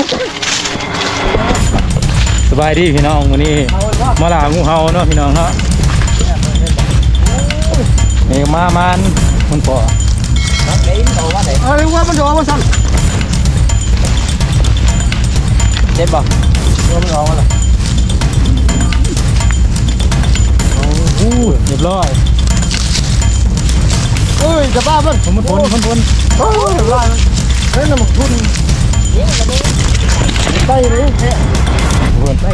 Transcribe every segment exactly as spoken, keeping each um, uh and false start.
สบายดีพี่น้องวันนี้มาล่างูเห่าเนาะพี่น้องเนาะนี่มามันมันปอเอ้ยว่ามันโดนมาสั่นเจ็บบ่ว่ามันออกมาละโอ้โหเรียบร้อยเอ้ยจะบ้ามันมันพ้นมันพ้นโอ้ยเรียบร้อยเฮ้ยน้ำมันทุนใต้เลยแค่พ้นไป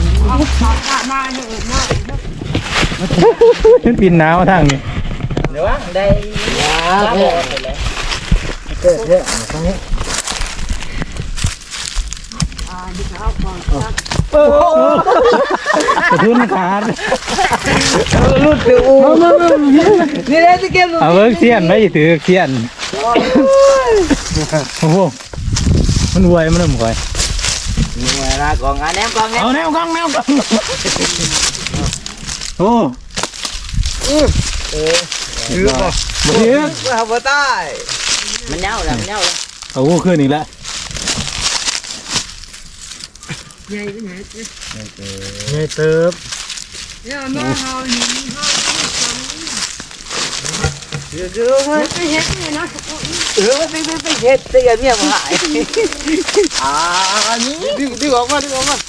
ขึ้นปีนหนาวทางนี้เดี๋ยวได้ยาเกิดเลยเกิดเยอะตรงนี้อ่าดิฉันก่อนโอ้กระทุนขาดรุดถืออูนี่เลยที่เก็บเอาเวิร์กเสียนไม่ถือเสียนโอ้โหมันรวยมันเริ่มรวยนี่ไงนะกองงานแนมกองแนมเอาแนวกองแนวกองโอ้เออถือป่ะถือเอาไปใต้มันเน่าแล้วมันเน่าแล้วเอาขึ้นอีกแล้วใหญ่ไปไหนใหญ่เติบเนี่ยมาเฮาหนีเฮาเดี๋ยวเดี๋ยวเฮ้ยไปเฮ็ดเนี่ยนะเออไปไปไปเฮ็ดแต่ยังเมียมาหายอ่าอันนี้ดึงดึงออกมาดึงออกมา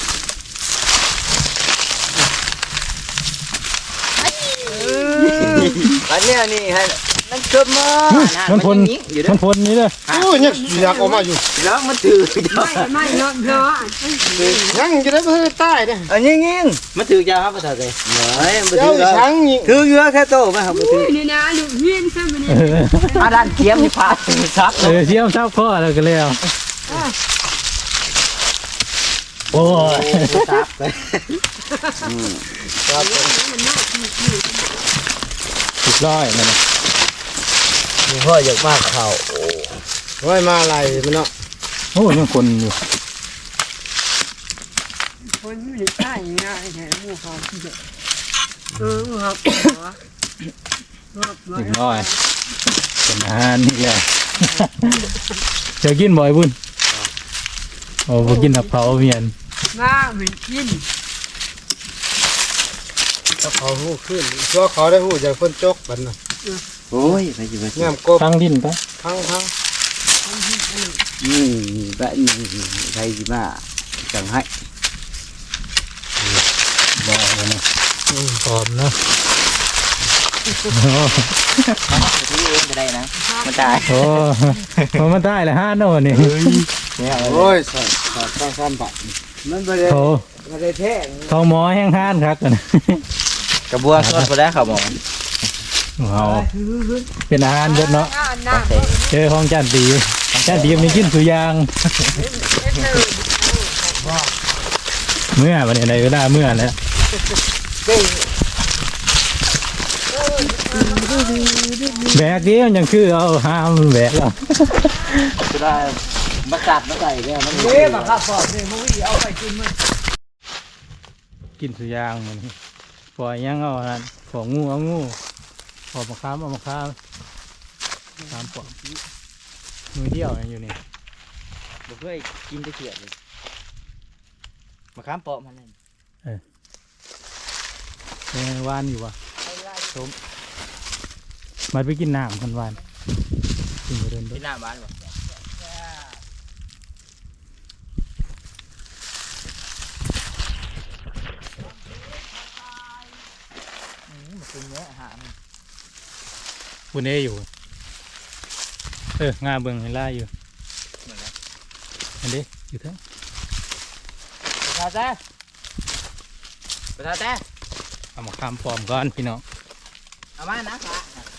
อันนี้อันนี้ให้นั่นเกิดมามันพ้นมันพ้นนี่เลยโอ้ยเนี่ยอยากออกมาอยู่แล้วมันถือไม่ไม่เนาะเนาะยังจะได้ไปใต้เนี่ยอันนี้ยิงมันถือยาครับภาษาไทยเฮ้ยมันถือช้างยิงถือเยอะแค่โตไหมครับมันถือนี่นะลูกเฮียนใช่ไหมเนี่ยอาดันเทียมนี่พาถือซับเออเทียมซับข้อแล้วก็แล้วโอ้ยซับไปสุดร้อยมันพ่ออยากมากเขาโอ้ยมาอะไรมันเนาะโอ้ยังคนอยู่คนไม่ใช่ง่ายแค่หมูเขาเออหมูเขาสุดร้อยเป็นอาหารนี่แหละจะกินบ่อยบุญโอ้บ่กินหับเผาเมียนมาไม่กินถ้าเขาหูขึ้นเพราะเขาได้หูจากคนจกบันนะโอ้ยไปจีบงามกบทั้งดินปะทั้งทั้งนี่แบบนี้ใครจีมาจังให้บอกเลยนะปลอมนะที่เองจะได้นะมันตายโอ้มันได้เลยห้าโน่นี่โอ้ยสอดสอดต้องซ้ำปะมันไม่ได้ไม่ได้แท้เขาหมอแห้งห้านครับกันกระบวนสดไปแล้วครับหมอเอาเป็นอาหารเยอะเนาะเจอของจานดีจานดีมีกินสุยางเมื่อวันนี้ในเวลาเมื่อแล้วแบกเดียวยังคือเอาห้ามแบกแล้วจะได้มาจัดมาใส่เนี่ยมันเละมาครับปอดเนี่ยมุ้ยเอาไปกินมั้ยกินสุยางมันปล่อยยังเอาอันของงูเอางูขอบมะขามเอามะขามขามปอมมือเดียวอยู่นี่บอกเพื่อกินตะเกียบเลยมะขามปอมันเลยเออเป็นวานอยู่วะต้มมาไปกินน้ำกันวานกินเดินกินน้ำวานวะมันเป็นเนื้ออาหารบุญเออยู่เอองาเบิ่งเห็นล่าอยู่อันนี้อยู่ทั้งประธานแท้ประธานแท้เอามาคำปลอมก่อนพี่น้องเอามานะครับ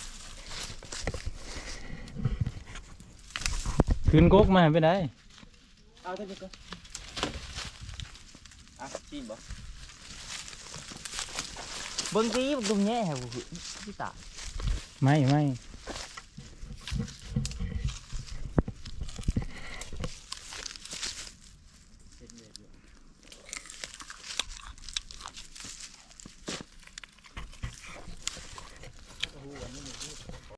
ขึ้นก๊กมาไปไหนเอาเถอะก็อ่ะชิมบ่เบิ่งดีมันดุมแย่เหรอพี่ตาไม่ไม่